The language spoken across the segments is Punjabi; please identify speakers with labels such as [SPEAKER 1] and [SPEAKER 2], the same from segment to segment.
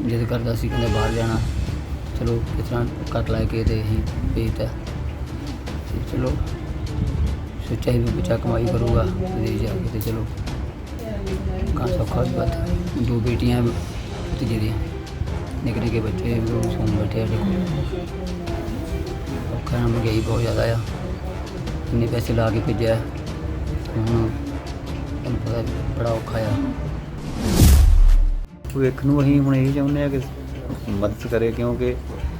[SPEAKER 1] जिद करता सी कहंदा बाहर जाना। चलो किस तरह कट लैके तो अं भेजता। तो चलो सोचा ही भी बच्चा कमाई करूँगा विदेश जाके, तो चलो कहाँ सौखा भी बात। 2 बेटियां भतीजे दी, निके निके बच्चे सोन बैठे देखो। औखा महंगाई बहुत ज़्यादा आ, इन्ने पैसे ला के भेजा हूँ तुहानूं पता बड़ा औखा आ।
[SPEAKER 2] भविख नूं असीं हुण यही चाहुंदे आ कि मदद करे, क्योंकि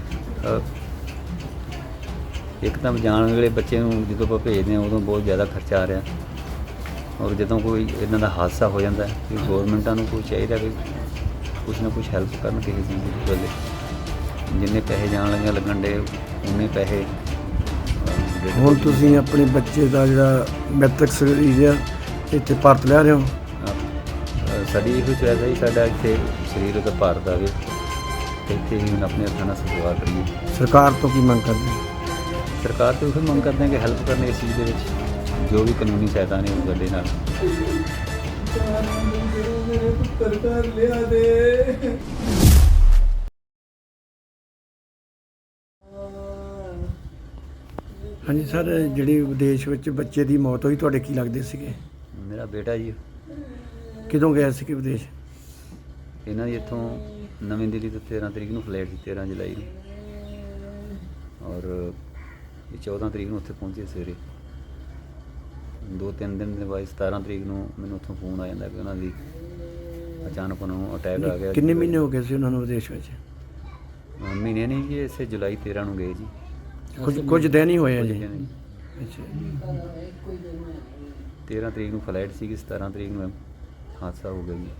[SPEAKER 2] एक तो जाण वेले बच्चे नूं जदों ਆਪਾਂ भेजदे ਹਾਂ उदों बहुत ज़्यादा खर्चा आ रहा, और जदों कोई इदां दा हादसा हो जाता है कि गौरमेंटां नूं कोई चाहिए कि कुछ ना कुछ हैल्प करन किसी चीज़ दी वेले। जिन्ने पैसे जाण लगे लगन डे उन्ने पैसे
[SPEAKER 3] ਹੁਣ ਤੁਸੀਂ ਆਪਣੇ ਬੱਚੇ ਦਾ ਜਿਹੜਾ ਮੈਟ੍ਰਿਕ ਸਰੀਰ ਆ ਇੱਥੇ ਭਾਰਤ ਲਿਆ ਰਹੇ ਹੋ?
[SPEAKER 2] ਸਾਡੀ ਇਹੋ ਚੋਇਸ ਹੈ ਜੀ, ਸਾਡਾ ਇੱਥੇ ਸਰੀਰ ਉਹਦਾ ਭਾਰਤ ਆਵੇ ਤੇ ਇੱਥੇ ਹੀ ਹੁਣ ਆਪਣੇ ਹੱਥਾਂ ਨਾਲ ਸੇਵਾ ਕਰੀਏ।
[SPEAKER 3] ਸਰਕਾਰ ਤੋਂ ਕੀ ਮੰਗ ਕਰਦੇ ਹੋ?
[SPEAKER 2] ਸਰਕਾਰ ਤੋਂ ਇਹ ਮੰਗ ਕਰਦੇ ਹਾਂ ਕਿ ਹੈਲਪ ਕਰਨ ਇਸ ਚੀਜ਼ ਦੇ ਵਿੱਚ, ਜੋ ਵੀ ਕਾਨੂੰਨੀ ਸਹਾਇਤਾ ਨੇ ਉਹ ਸਾਡੇ ਨਾਲ।
[SPEAKER 3] ਹਾਂਜੀ ਸਰ, ਜਿਹੜੀ ਵਿਦੇਸ਼ ਵਿੱਚ ਬੱਚੇ ਦੀ ਮੌਤ ਹੋਈ ਤੁਹਾਡੇ ਕੀ ਲੱਗਦੇ ਸੀਗੇ?
[SPEAKER 2] ਮੇਰਾ ਬੇਟਾ ਜੀ,
[SPEAKER 3] ਕਿਦੋਂ ਗਏ ਸੀਗੇ ਵਿਦੇਸ਼?
[SPEAKER 2] ਇਹਨਾਂ ਦੀ ਇੱਥੋਂ ਨਵੀਂ ਦਿੱਲੀ ਤੋਂ 13 ਤਰੀਕ ਨੂੰ ਫਲਾਈਟ ਸੀ, 13 ਜੁਲਾਈ ਨੂੰ, ਔਰ ਇਹ 14 ਤਰੀਕ ਨੂੰ ਉੱਥੇ ਪਹੁੰਚੇ ਸਵੇਰੇ। 2-3 ਦਿਨ ਦੇ ਬਾਅਦ 17 ਤਰੀਕ ਨੂੰ ਮੈਨੂੰ ਉੱਥੋਂ ਫੋਨ ਆ ਜਾਂਦਾ ਕਿ ਉਹਨਾਂ ਦੀ ਅਚਾਨਕ ਉਹਨਾਂ ਨੂੰ ਅਟੈਕ ਆ ਗਿਆ।
[SPEAKER 3] ਕਿੰਨੇ ਮਹੀਨੇ ਹੋ ਗਏ ਸੀ ਉਹਨਾਂ ਨੂੰ ਵਿਦੇਸ਼ ਵਿੱਚ?
[SPEAKER 2] ਮਹੀਨੇ ਨਹੀਂ ਜੀ, ਇਸੇ ਜੁਲਾਈ 13 ਨੂੰ ਗਏ ਜੀ।
[SPEAKER 3] ਕੁਝ ਦਿਨ ਹੀ ਹੋਏ ਆ ਜੀ।
[SPEAKER 2] ਕੁਝ ਦਿਨ ਹੀ।
[SPEAKER 3] ਅੱਛਾ,
[SPEAKER 2] 13 ਤਰੀਕ ਨੂੰ ਫਲਾਈਟ ਸੀਗੀ, 17 ਤਰੀਕ ਨੂੰ ਹਾਦਸਾ ਹੋ ਗਿਆ ਜੀ।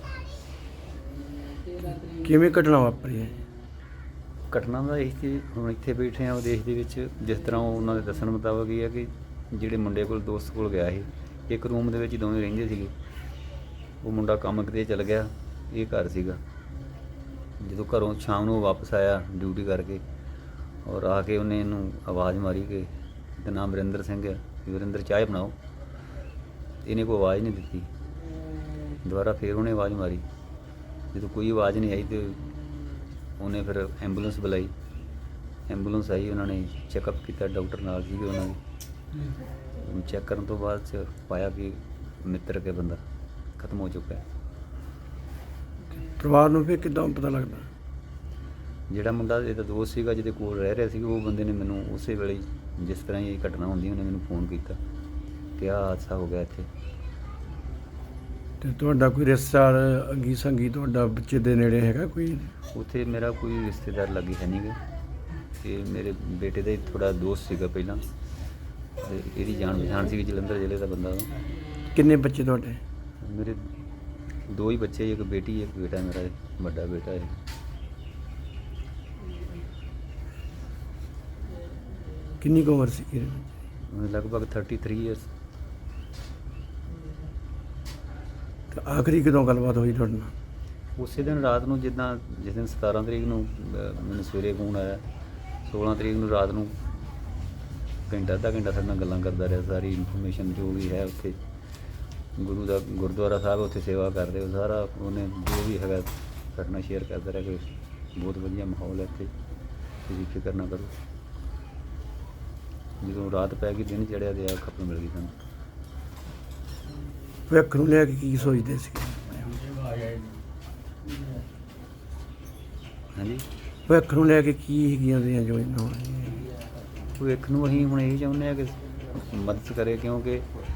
[SPEAKER 3] ਕਿਵੇਂ ਘਟਨਾ ਵਾਪਰੀ ਹੈ?
[SPEAKER 2] ਘਟਨਾ ਦਾ ਇਹ ਕਿ ਹੁਣ ਇੱਥੇ ਬੈਠੇ ਆ ਵਿਦੇਸ਼ ਦੇ ਵਿੱਚ, ਜਿਸ ਤਰ੍ਹਾਂ ਉਹਨਾਂ ਦੇ ਦੱਸਣ ਮੁਤਾਬਕ ਇਹ ਹੈ ਕਿ ਜਿਹੜੇ ਮੁੰਡੇ ਕੋਲ ਦੋਸਤ ਕੋਲ ਗਿਆ ਸੀ, ਇੱਕ ਰੂਮ ਦੇ ਵਿੱਚ ਦੋਵੇਂ ਰਹਿੰਦੇ ਸੀਗੇ। ਉਹ ਮੁੰਡਾ ਕੰਮ ਕਿਤੇ ਚਲ ਗਿਆ, ਇਹ ਘਰ ਸੀਗਾ। ਜਦੋਂ ਘਰੋਂ ਸ਼ਾਮ ਨੂੰ ਵਾਪਸ ਆਇਆ ਡਿਊਟੀ ਕਰਕੇ, ਔਰ ਆ ਕੇ ਉਹਨੇ ਇਹਨੂੰ ਆਵਾਜ਼ ਮਾਰੀ ਕਿ ਇਹਦਾ ਨਾਮ ਵਰਿੰਦਰ ਸਿੰਘ ਹੈ, ਵਰਿੰਦਰ ਚਾਹ ਬਣਾਓ। ਇਹਨੇ ਕੋਈ ਆਵਾਜ਼ ਨਹੀਂ ਦਿੱਤੀ। ਦੁਬਾਰਾ ਫਿਰ ਉਹਨੇ ਆਵਾਜ਼ ਮਾਰੀ, ਜਦੋਂ ਕੋਈ ਆਵਾਜ਼ ਨਹੀਂ ਆਈ ਤਾਂ ਉਹਨੇ ਫਿਰ ਐਂਬੂਲੈਂਸ ਬੁਲਾਈ। ਐਂਬੂਲੈਂਸ ਆਈ, ਉਹਨਾਂ ਨੇ ਚੈੱਕਅਪ ਕੀਤਾ, ਡਾਕਟਰ ਨਾਲ ਸੀਗੇ ਉਹਨਾਂ ਦੇ। ਚੈੱਕ ਕਰਨ ਤੋਂ ਬਾਅਦ 'ਚ ਪਾਇਆ ਕਿ ਮਿੱਤਰ ਕੇ ਬੰਦਾ ਖਤਮ ਹੋ ਚੁੱਕਾ ਹੈ।
[SPEAKER 3] ਪਰਿਵਾਰ ਨੂੰ ਫਿਰ ਕਿੱਦਾਂ ਪਤਾ ਲੱਗਦਾ?
[SPEAKER 2] ਜਿਹੜਾ ਮੁੰਡਾ ਇਹਦਾ ਦੋਸਤ ਸੀਗਾ, ਜਿਹਦੇ ਕੋਲ ਰਹਿ ਰਿਹਾ ਸੀ, ਉਹ ਬੰਦੇ ਨੇ ਮੈਨੂੰ ਉਸੇ ਵੇਲੇ ਜਿਸ ਤਰ੍ਹਾਂ ਹੀ ਇਹ ਘਟਨਾ ਹੁੰਦੀ ਉਹਨੇ ਮੈਨੂੰ ਫੋਨ ਕੀਤਾ ਕਿ ਆਹ ਹਾਦਸਾ ਹੋ ਗਿਆ ਇੱਥੇ।
[SPEAKER 3] ਤੇ ਤੁਹਾਡਾ ਕੋਈ ਰਿਸ਼ਤੇਦਾਰ ਅੰਗੀ ਸੰਗੀ ਤੁਹਾਡਾ ਬੱਚੇ ਦੇ ਨੇੜੇ ਹੈਗਾ ਕੋਈ?
[SPEAKER 2] ਉੱਥੇ ਮੇਰਾ ਕੋਈ ਰਿਸ਼ਤੇਦਾਰ ਲਾਗੇ ਹੈ ਨਹੀਂ ਗਾ, ਤੇ ਮੇਰੇ ਬੇਟੇ ਦਾ ਹੀ ਥੋੜ੍ਹਾ ਦੋਸਤ ਸੀਗਾ ਪਹਿਲਾਂ, ਤੇ ਇਹਦੀ ਜਾਣ ਪਛਾਣ ਸੀਗੀ, ਜਲੰਧਰ ਜ਼ਿਲ੍ਹੇ ਦਾ ਬੰਦਾ ਉਹ।
[SPEAKER 3] ਕਿੰਨੇ ਬੱਚੇ ਤੁਹਾਡੇ?
[SPEAKER 2] ਮੇਰੇ 2 ਹੀ ਬੱਚੇ, ਇੱਕ ਬੇਟੀ ਇੱਕ ਬੇਟਾ, ਮੇਰਾ ਵੱਡਾ ਬੇਟਾ ਹੈ।
[SPEAKER 3] ਕਿੰਨੀ ਕੁ ਉਮਰ ਸੀ?
[SPEAKER 2] ਲਗਭਗ 33 ਇਅਰਸ।
[SPEAKER 3] ਤੇ ਆਖਰੀ ਕਦੋਂ ਗੱਲਬਾਤ ਹੋਈ ਤੁਹਾਡੇ ਨਾਲ?
[SPEAKER 2] ਉਸੇ ਦਿਨ ਰਾਤ ਨੂੰ, ਜਿੱਦਾਂ ਜਿਸ ਦਿਨ 17 ਤਰੀਕ ਨੂੰ ਮੈਨੂੰ ਸਵੇਰੇ ਫੋਨ ਆਇਆ, 16 ਤਰੀਕ ਨੂੰ ਰਾਤ ਨੂੰ ਘੰਟਾ ਅੱਧਾ ਘੰਟਾ ਸਾਡੇ ਨਾਲ ਗੱਲਾਂ ਕਰਦਾ ਰਿਹਾ। ਸਾਰੀ ਇਨਫੋਰਮੇਸ਼ਨ ਜੋ ਵੀ ਹੈ ਉੱਥੇ ਗੁਰੂ ਦਾ ਗੁਰਦੁਆਰਾ ਸਾਹਿਬ ਉੱਥੇ ਸੇਵਾ ਕਰਦੇ, ਉਹ ਸਾਰਾ ਉਹਨੇ ਜੋ ਵੀ ਹੈਗਾ ਸਾਡੇ ਨਾਲ ਸ਼ੇਅਰ ਕਰਦਾ ਰਿਹਾ ਕਿ ਬਹੁਤ ਵਧੀਆ ਮਾਹੌਲ ਹੈ ਇੱਥੇ, ਤੁਸੀਂ ਫਿਕਰ ਨਾ ਕਰੋ। ਜਦੋਂ ਰਾਤ ਪੈ ਗਈ, ਦਿਨ ਚੜ੍ਹਿਆ ਤੇ ਆ ਖਬਰ ਮਿਲ ਗਈ ਸਾਨੂੰ।
[SPEAKER 3] ਭਵਿੱਖ ਨੂੰ ਲੈ ਕੇ ਕੀ ਸੋਚਦੇ ਸੀ?
[SPEAKER 2] ਹਾਂਜੀ,
[SPEAKER 3] ਭਵਿੱਖ ਨੂੰ ਲੈ ਕੇ ਕੀ ਹੈਗੀਆਂ ਉਹਦੀਆਂ ਯੋਜਨਾਵਾਂ?
[SPEAKER 2] ਭਵਿੱਖ ਨੂੰ ਅਸੀਂ ਹੁਣ ਇਹੀ ਚਾਹੁੰਦੇ ਹਾਂ ਕਿ ਮਦਦ ਕਰੇ, ਕਿਉਂਕਿ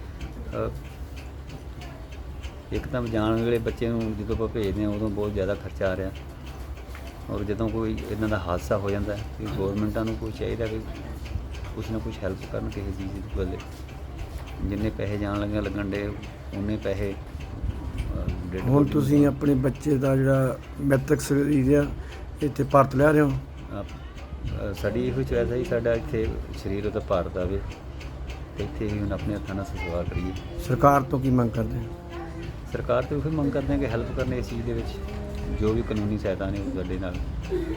[SPEAKER 2] ਇੱਕ ਤਾਂ ਜਾਣ ਵੇਲੇ ਬੱਚੇ ਨੂੰ ਜਦੋਂ ਆਪਾਂ ਭੇਜਦੇ ਹਾਂ ਉਦੋਂ ਬਹੁਤ ਜ਼ਿਆਦਾ ਖਰਚਾ ਆ ਰਿਹਾ, ਔਰ ਜਦੋਂ ਕੋਈ ਇੱਦਾਂ ਦਾ ਹਾਦਸਾ ਹੋ ਜਾਂਦਾ ਕਿ ਗੌਰਮੈਂਟਾਂ ਨੂੰ ਕੋਈ ਚਾਹੀਦਾ ਕਿ ਕੁਛ ਨਾ ਕੁਛ ਹੈਲਪ ਕਰਨ ਕਿਸੇ ਚੀਜ਼ ਦੀ ਵੇਲੇ। ਜਿੰਨੇ ਪੈਸੇ ਜਾਣ ਲੱਗੇ ਲੱਗਣ ਡੇ ਉਨੇ ਪੈਸੇ
[SPEAKER 3] ਹੁਣ ਤੁਸੀਂ ਆਪਣੇ ਬੱਚੇ ਦਾ ਜਿਹੜਾ ਮੈਟ੍ਰਿਕ ਸਰੀਰ ਆ ਇੱਥੇ ਭਾਰਤ ਲਿਆ ਰਹੇ ਹੋ?
[SPEAKER 2] ਸਾਡੀ ਇਹੋ ਚੋਇਸ ਹੈ ਜੀ, ਸਾਡਾ ਇੱਥੇ ਸਰੀਰ ਉਹਦਾ ਭਾਰਤ ਆਵੇ ਤੇ ਇੱਥੇ ਹੀ ਹੁਣ ਆਪਣੇ ਹੱਥਾਂ ਨਾਲ ਸੇਵਾ ਕਰੀਏ।
[SPEAKER 3] ਸਰਕਾਰ ਤੋਂ ਕੀ ਮੰਗ ਕਰਦੇ ਹੋ?
[SPEAKER 2] ਸਰਕਾਰ ਤੋਂ ਇਹ ਮੰਗ ਕਰਦੇ ਹਾਂ ਕਿ ਹੈਲਪ ਕਰਨ ਇਸ ਚੀਜ਼ ਦੇ ਵਿੱਚ, ਜੋ ਵੀ ਕਾਨੂੰਨੀ ਸਹਾਇਤਾ ਨੇ ਉਹ ਸਾਡੇ ਨਾਲ।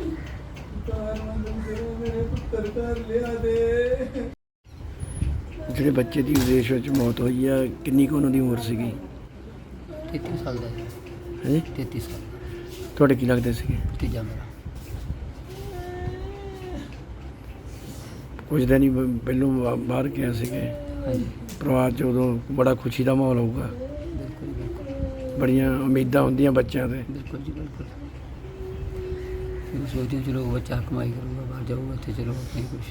[SPEAKER 3] ਜਿਹੜੇ ਬੱਚੇ ਦੀ ਵਿਦੇਸ਼ ਵਿੱਚ ਮੌਤ ਹੋਈ ਆ, ਕਿੰਨੀ ਕੁ ਉਹਨਾਂ ਦੀ ਉਮਰ ਸੀਗੀ?
[SPEAKER 1] 33 ਸਾਲ ਦਾ
[SPEAKER 3] ਹੈ?
[SPEAKER 1] 33 ਸਾਲ।
[SPEAKER 3] ਤੁਹਾਡੇ ਕੀ ਲੱਗਦੇ ਸੀਗੇ?
[SPEAKER 1] ਭਤੀਜਾ ਮੇਰਾ।
[SPEAKER 3] ਕੁਝ ਦਿਨ ਹੀ ਪਹਿਲੋਂ ਬਾਹਰ ਗਿਆ ਸੀਗੇ।
[SPEAKER 1] ਹਾਂਜੀ
[SPEAKER 3] ਪਰਿਵਾਰ 'ਚ ਉਦੋਂ ਬੜਾ ਖੁਸ਼ੀ ਦਾ ਮਾਹੌਲ ਹੋਊਗਾ,
[SPEAKER 1] ਬਿਲਕੁਲ ਬਿਲਕੁਲ
[SPEAKER 3] ਬੜੀਆਂ ਉਮੀਦਾਂ ਹੁੰਦੀਆਂ ਬੱਚਿਆਂ 'ਤੇ।
[SPEAKER 1] ਬਿਲਕੁਲ ਜੀ ਬਿਲਕੁਲ। ਫਿਰ ਸੋਚਦੇ ਹਾਂ ਚਲੋ ਬੱਚਾ ਕਮਾਈ ਕਰੂਗਾ, ਬਾਹਰ ਜਾਊਗਾ, ਇੱਥੇ ਚਲੋ ਆਪਣੇ ਕੁਛ।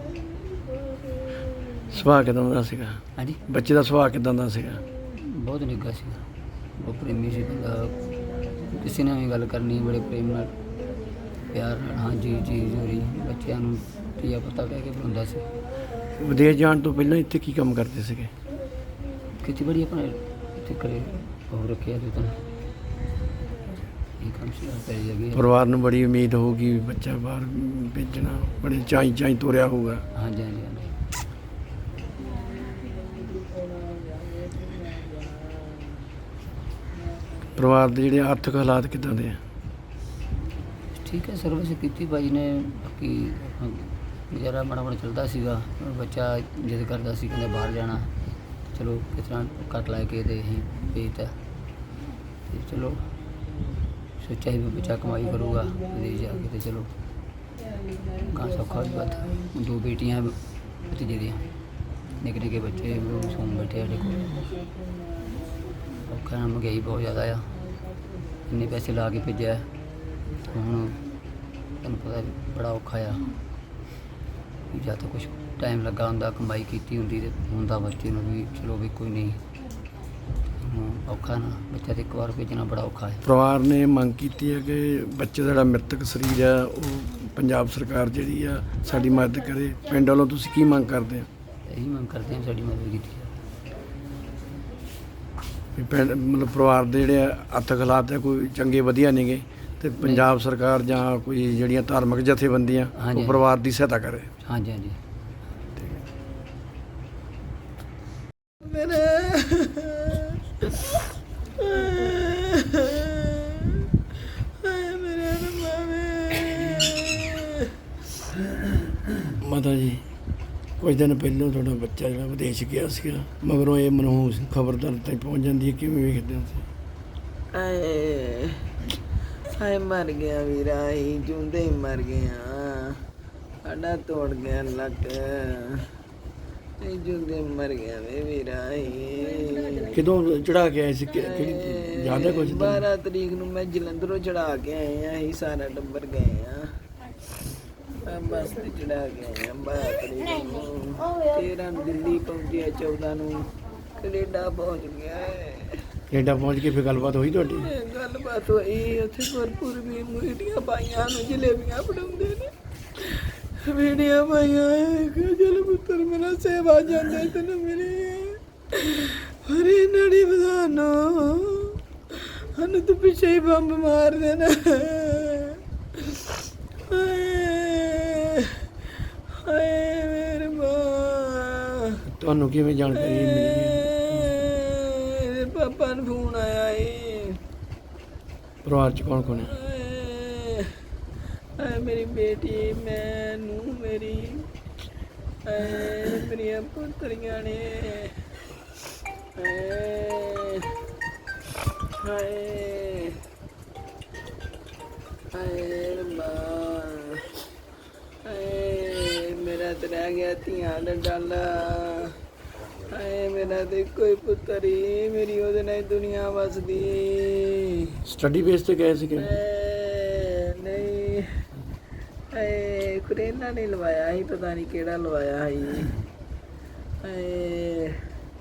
[SPEAKER 3] ਸੁਭਾਅ ਕਿਦਾਂ ਦਾ ਸੀਗਾ?
[SPEAKER 1] ਹਾਂਜੀ
[SPEAKER 3] ਬੱਚੇ ਦਾ ਸੁਭਾਅ ਕਿਦਾਂ ਦਾ ਸੀਗਾ?
[SPEAKER 1] ਬਹੁਤ ਨਿੱਘਾ ਸੀਗਾ, ਬਹੁਤ ਪ੍ਰੇਮੀ ਸੀ ਬੰਦਾ। ਕਿਸੇ ਨਾਲ ਵੀ ਗੱਲ ਕਰਨੀ ਬੜੇ ਪ੍ਰੇਮ ਨਾਲ, ਪਿਆਰ ਨਾਲ, ਹਾਂਜੀ ਜੀ ਜ਼ਰੂਰੀ। ਬੱਚਿਆਂ ਨੂੰ ਧੀਆ ਪੁੱਤਾ ਕਹਿ ਕੇ ਬੁਲਾਉਂਦਾ ਸੀ।
[SPEAKER 3] ਵਿਦੇਸ਼ ਜਾਣ ਤੋਂ ਪਹਿਲਾਂ ਇੱਥੇ ਕੀ ਕੰਮ ਕਰਦੇ ਸੀਗੇ?
[SPEAKER 1] ਖੇਤੀਬਾੜੀ ਆਪਣਾ ਇੱਥੇ ਕਰੇ ਉਹ ਰੱਖਿਆ ਤੇ ਤਾਂ ਇਹ ਕੰਮ ਸੀ ਪੈ ਜਾਗੀ।
[SPEAKER 3] ਪਰਿਵਾਰ ਨੂੰ ਬੜੀ ਉਮੀਦ ਹੋਊਗੀ ਵੀ ਬੱਚਾ ਬਾਹਰ ਭੇਜਣਾ, ਬੜੇ ਚਾਈ ਤੋਰਿਆ ਹੋਊਗਾ।
[SPEAKER 1] ਹਾਂਜੀ ਹਾਂਜੀ ਹਾਂਜੀ।
[SPEAKER 3] ਪਰਿਵਾਰ ਦੇ ਜਿਹੜੇ ਆਰਥਿਕ ਹਾਲਾਤ ਕਿੱਦਾਂ ਦੇ ਆ?
[SPEAKER 1] ਠੀਕ ਹੈ, ਸਰਵਿਸ ਕੀਤੀ ਭਾਜੀ ਨੇ। ਬਾਕੀ ਗੁਜ਼ਾਰਾ ਮਾੜਾ ਮਾੜਾ ਚੱਲਦਾ ਸੀਗਾ। ਬੱਚਾ ਜਿੱਦ ਕਰਦਾ ਸੀ, ਕਹਿੰਦਾ ਬਾਹਰ ਜਾਣਾ, ਚਲੋ ਕਿਸ ਤਰ੍ਹਾਂ ਕੱਟ ਲੈ ਕੇ ਤੇ ਅਸੀਂ ਭੇਜਤਾ। ਤੇ ਚਲੋ ਸੋਚਿਆ ਸੀ ਵੀ ਬੱਚਾ ਕਮਾਈ ਕਰੂਗਾ ਵਿਦੇਸ਼ ਜਾ ਕੇ, ਤੇ ਚਲੋ ਕਾਂ ਸੌਖਾ ਵੀ ਬਾਤ। 2 ਬੇਟੀਆਂ ਭਤੀਜੇ ਦੀਆਂ, ਨਿੱਕੇ ਨਿੱਕੇ ਬੱਚੇ ਸੌਂ ਬੈਠੇ ਸਾਡੇ ਕੋਲ। ਔਖਾ ਨਾ, ਮਹਿੰਗਾਈ ਬਹੁਤ ਜ਼ਿਆਦਾ ਆ, ਇੰਨੇ ਪੈਸੇ ਲਾ ਕੇ ਭੇਜਿਆ, ਹੁਣ ਤੁਹਾਨੂੰ ਪਤਾ ਬੜਾ ਔਖਾ ਆ। ਵੀ ਜਾਂ ਤਾਂ ਕੁਛ ਟਾਈਮ ਲੱਗਾ ਹੁੰਦਾ, ਕਮਾਈ ਕੀਤੀ ਹੁੰਦੀ ਤੇ ਹੁੰਦਾ ਬੱਚੇ ਨੂੰ ਵੀ ਚਲੋ ਵੀ ਕੋਈ ਨਹੀਂ। ਹੁਣ ਔਖਾ ਨਾ, ਬੱਚਾ ਤੇ ਇੱਕ ਵਾਰ ਭੇਜਣਾ ਬੜਾ ਔਖਾ ਹੈ।
[SPEAKER 3] ਪਰਿਵਾਰ ਨੇ ਮੰਗ ਕੀਤੀ ਹੈ ਕਿ ਬੱਚੇ ਦਾ ਜਿਹੜਾ ਮ੍ਰਿਤਕ ਸਰੀਰ ਆ ਉਹ ਪੰਜਾਬ ਸਰਕਾਰ ਜਿਹੜੀ ਆ ਸਾਡੀ ਮਦਦ ਕਰੇ। ਪਿੰਡ ਵੱਲੋਂ ਤੁਸੀਂ ਕੀ ਮੰਗ ਕਰਦੇ ਆ?
[SPEAKER 1] ਇਹੀ ਮੰਗ ਕਰਦੇ ਹਾਂ ਸਾਡੀ ਮਦਦ ਕੀਤੀ ਜਾਵੇ।
[SPEAKER 3] ਵੀ ਪਿੰਡ ਮਤਲਬ ਪਰਿਵਾਰ ਦੇ ਜਿਹੜੇ ਆਰਥਿਕ ਹਾਲਾਤ ਆ ਕੋਈ ਚੰਗੇ ਵਧੀਆ ਨੇਗੇ, ਤੇ ਪੰਜਾਬ ਸਰਕਾਰ ਜਾਂ ਕੋਈ ਜਿਹੜੀਆਂ ਧਾਰਮਿਕ ਜਥੇਬੰਦੀਆਂ
[SPEAKER 1] ਹਾਂਜੀ।
[SPEAKER 3] ਉਹ ਪਰਿਵਾਰ ਦੀ ਸਹਾਇਤਾ ਕਰੇ।
[SPEAKER 1] ਹਾਂਜੀ ਹਾਂਜੀ।
[SPEAKER 3] ਮਾਤਾ ਜੀ, ਕੁਝ ਦਿਨ ਪਹਿਲਾਂ ਤੁਹਾਡਾ ਬੱਚਾ ਜਿਹੜਾ ਵਿਦੇਸ਼ ਗਿਆ ਸੀਗਾ, ਮਗਰੋਂ ਇਹ ਮਨਹੂਸ ਖਬਰ ਤੁਹਾਡੇ ਤੱਕ ਪਹੁੰਚ ਜਾਂਦੀ ਹੈ, ਕਿਵੇਂ ਵੇਖਦੇ ਹੋ ਤੁਸੀਂ?
[SPEAKER 4] ਹਾਏ ਹਾਏ, ਮਰ ਗਿਆ ਵੀਰਾ, ਹੀ ਜਿਉਂਦੇ ਹੀ ਮਰ ਗਿਆ। ਸਾਡਾ ਤੋੜ ਗਿਆ ਲੱਕ, ਇਹ ਜਿਉਂਦੇ ਮਰ ਗਿਆ ਵੇ ਵੀਰਾ।
[SPEAKER 3] ਕਿਦੋਂ ਚੜਾ ਕੇ ਆਏ ਸੀ? ਕਿਹੜੀ ਯਾਦ ਹੈ ਕੁਝ?
[SPEAKER 4] 12 ਤਰੀਕ ਨੂੰ ਮੈਂ ਜਲੰਧਰੋਂ ਚੜਾ ਕੇ ਆਏ ਆ, ਅਸੀਂ ਸਾਰਾ ਟੱਬਰ ਗਏ ਆ। ਬੱਸ ਤੇ ਚੜਾ ਕੇ ਆਏ ਆ 12 ਤਰੀਕ ਨੂੰ। 13 ਨੂੰ ਦਿੱਲੀ ਪਹੁੰਚਿਆ, 14 ਨੂੰ ਕੈਨੇਡਾ ਪਹੁੰਚ ਗਿਆ ਹੈ।
[SPEAKER 3] ਕੈਨੇਡਾ ਪਹੁੰਚ ਕੇ ਫਿਰ ਗੱਲਬਾਤ ਹੋਈ ਤੁਹਾਡੀ?
[SPEAKER 4] ਗੱਲਬਾਤ ਹੋਈ, ਉੱਥੇ ਭਰਪੂਰ ਵੀ ਮੀਡੀਆਂ ਪਾਈਆਂ ਨੂੰ, ਜਲੇਬੀਆਂ ਫੜਾਉਂਦੇ ਨੇ, ਮੀਡੀਆਂ ਪਾਈਆਂ। ਚਲ ਪੁੱਤਰ ਮੇਰਾ ਸੇਵਾ ਜਾਂਦੇ ਤੈਨੂੰ ਮਿਲੀ ਹਰੀ ਨੜੀ ਬਧਾਨੋ, ਸਾਨੂੰ ਤੂੰ ਪਿੱਛੇ ਹੀ ਬੰਬ ਮਾਰ ਦੇਣਾ। ਹਾਏ ਹਾਏ ਮੇਰੇ ਮਾਂ।
[SPEAKER 3] ਤੁਹਾਨੂੰ ਕਿਵੇਂ ਜਾਣਕਾਰੀ ਮਿਲੀ?
[SPEAKER 4] ਪਾਪਾ ਨੂੰ ਫੋਨ ਆਇਆ ਏ।
[SPEAKER 3] ਪਰਿਵਾਰ 'ਚ ਕੌਣ ਕੌਣ ਹੈ?
[SPEAKER 4] ਮੇਰੀ ਬੇਟੀ, ਮੈਂ ਨੂੰ ਮੇਰੀ, ਮੇਰੀਆਂ ਪੁੱਤਰੀਆਂ ਨੇ। ਹਾਏ ਹਾਏ ਮਾਂ, ਹਾਏ ਮੇਰਾ ਤੇ ਰਹਿ ਗਿਆ ਧੀਆਂ ਦਾ ਡਾਲਾ। ਹਾਏ ਮੇਰਾ ਤੇ ਕੋਈ ਪੁੱਤਰ ਹੀ, ਮੇਰੀ ਉਹਦੇ ਨਾਲ ਦੁਨੀਆ ਵਸਦੀ।
[SPEAKER 3] ਸਟੱਡੀ ਬੇਸ ਤੇ ਗਏ ਸੀਗੇ?
[SPEAKER 4] ਨਹੀਂ, ਹਾਏ ਕਰੇਨਾ ਨੇ ਲਵਾਇਆ ਸੀ, ਪਤਾ ਨਹੀਂ ਕਿਹੜਾ ਲਵਾਇਆ ਸੀ। ਹਾਏ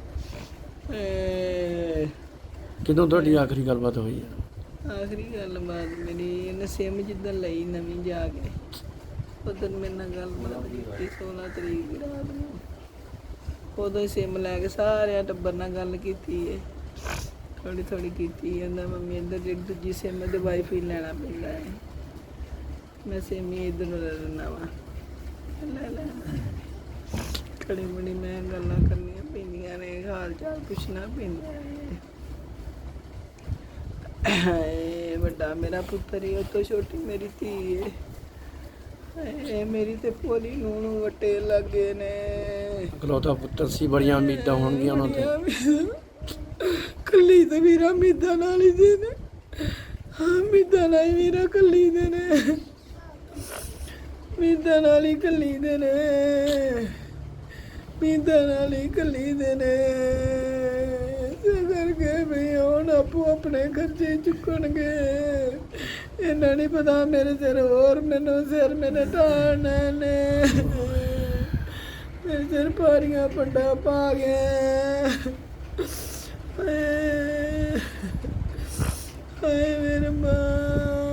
[SPEAKER 4] ਹਾਏ,
[SPEAKER 3] ਕਿਦੋਂ ਤੁਹਾਡੀ ਆਖਰੀ ਗੱਲਬਾਤ ਹੋਈ ਹੈ?
[SPEAKER 4] ਆਖਰੀ ਗੱਲਬਾਤ ਮੇਰੀ ਇਹਨੇ ਸਿਮ ਜਿੱਦਣ ਲਈ ਨਵੀਂ ਜਾ ਕੇ, ਉਦੋਂ ਮੇਰੇ ਨਾਲ ਗੱਲਬਾਤ ਕੀਤੀ 16 ਤਰੀਕ ਦੀ ਰਾਤ ਨੂੰ। ਉਦੋਂ ਹੀ ਸਿਮ ਲੈ ਕੇ ਸਾਰਿਆਂ ਟੱਬਰ ਨਾਲ ਗੱਲ ਕੀਤੀ ਹੈ, ਥੋੜ੍ਹੀ ਥੋੜ੍ਹੀ ਕੀਤੀ। ਕਹਿੰਦਾ ਮੰਮੀ ਇੱਧਰ ਜਿਹੜੀ ਦੂਜੀ ਸਿਮ ਦੇ ਵਾਈਫਾਈ ਲੈਣਾ ਪੈਂਦਾ ਹੈ, ਮੈਂ ਸਿਮ ਹੀ ਇੱਧਰ ਨੂੰ ਲੈ ਲੈਂਦਾ ਵਾ, ਲੈ ਲੈ। ਘੜੀ ਬੜੀ ਮੈਂ ਗੱਲਾਂ ਕਰਨੀਆਂ ਪੈਂਦੀਆਂ ਨੇ, ਹਾਲ ਚਾਲ ਪੁੱਛਣਾ ਪੈਂਦਾ ਹੈ। ਹਾਏ ਵੱਡਾ ਮੇਰਾ ਪੁੱਤਰ ਹੀ, ਉਹ ਤੋਂ ਛੋਟੀ ਮੇਰੀ ਧੀ ਹੈ। ਹਾਏ ਮੇਰੀ ਤੇ ਭੋਲੀ ਨੂੰ ਵੱਟੇ ਲੱਗੇ ਨੇ।
[SPEAKER 3] ਇਕਲੌਤਾ ਪੁੱਤਰ ਸੀ, ਬੜੀਆਂ ਉਮੀਦਾਂ ਹੋਣਗੀਆਂ ਉਹਨਾਂ ਤੇ।
[SPEAKER 4] ਕੱਲੀ ਤੇ ਵੀਰਾ ਉਮੀਦਾਂ ਨਾਲ ਹੀ ਦੇ ਨੇ। ਮਿੱਦਾਂ ਨਾਲ ਹੀ ਵੀਰਾ ਕੱਲੀ ਦੇ ਨੇ, ਮਿੱਦਾਂ ਨਾਲ ਹੀ ਕੱਲੀ ਦੇ ਨੇ, ਮਿੱਦਾਂ ਨਾਲ ਹੀ ਕੱਲੀ ਦੇ ਨੇ। ਇਸੇ ਕਰਕੇ ਵੀ ਹੁਣ ਆਪੋ ਆਪਣੇ ਖਰਚੇ ਚੁੱਕਣਗੇ। ਇਹਨਾਂ ਨਹੀਂ ਪਤਾ ਮੇਰੇ ਸਿਰ ਹੋਰ ਮੈਨੂੰ ਸਿਰ ਮੇਰੇ ਢਾਣੇ ਨੇ, ਮੇਰੇ ਸਿਰ ਭਾਰੀਆਂ ਪੰਡਾ ਪਾ ਗਏ। ਹਾਏ ਹਾਏ ਮੇਰੇ ਮਾਂ।